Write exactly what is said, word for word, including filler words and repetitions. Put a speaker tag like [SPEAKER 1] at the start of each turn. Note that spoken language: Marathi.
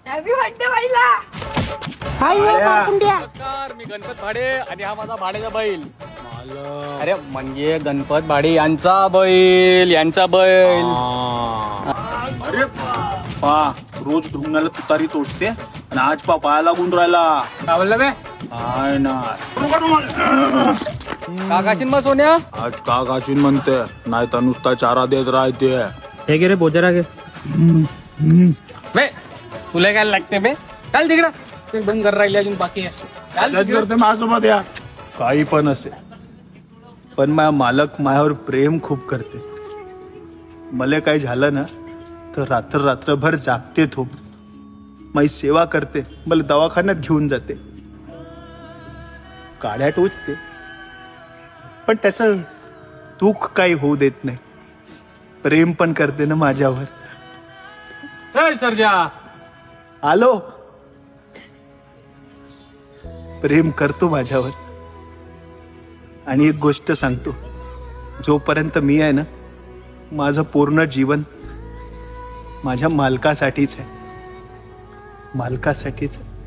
[SPEAKER 1] हॅपी बर्थडे बाईला.
[SPEAKER 2] हाय हो पारकुंड्या.
[SPEAKER 3] नमस्कार, मी गणपत भाडे आणि हा माझा भाडेचा बैल. अरे म्हणजे गणपत भाडे यांचा बैल यांचा बैल.
[SPEAKER 4] अरे पा रोज ढुंगणाला तुतारी तोडते आणि आज पा पाया लागून राहिला.
[SPEAKER 3] काय बोलला बे?
[SPEAKER 4] काय ना
[SPEAKER 3] का काशीन मग सोन्या?
[SPEAKER 4] आज का गाचीन म्हणते, नाही तर नुसता चारा देत राहते.
[SPEAKER 5] हे गे रे बोजरा घे.
[SPEAKER 3] बे तुला काय लागते बे? चाल तिकडं. ते बंद कर राहिले अजून बाकी आहे. चाल
[SPEAKER 4] त्याच
[SPEAKER 3] तिकडं.
[SPEAKER 4] करते माझ्यासोबत या. काही पण असे, पण माझा मालक माझ्यावर प्रेम खूप करते. मला काही झालं ना तर रात्र रात्रभर जागते तो, माझी सेवा करते, मला दवाखान्यात घेऊन जाते, काड्या टोचते, पण त्याचं दुःख काही होऊ देत नाही. प्रेम पण करते ना माझ्यावर.
[SPEAKER 3] ए सर्जा,
[SPEAKER 4] आलो. प्रेम करतो माझ्यावर. आणि एक गोष्ट सांगतो, जोपर्यंत मी आहे ना, माझं पूर्ण जीवन माझ्या मालकासाठीच आहे, मालकासाठीच आहे.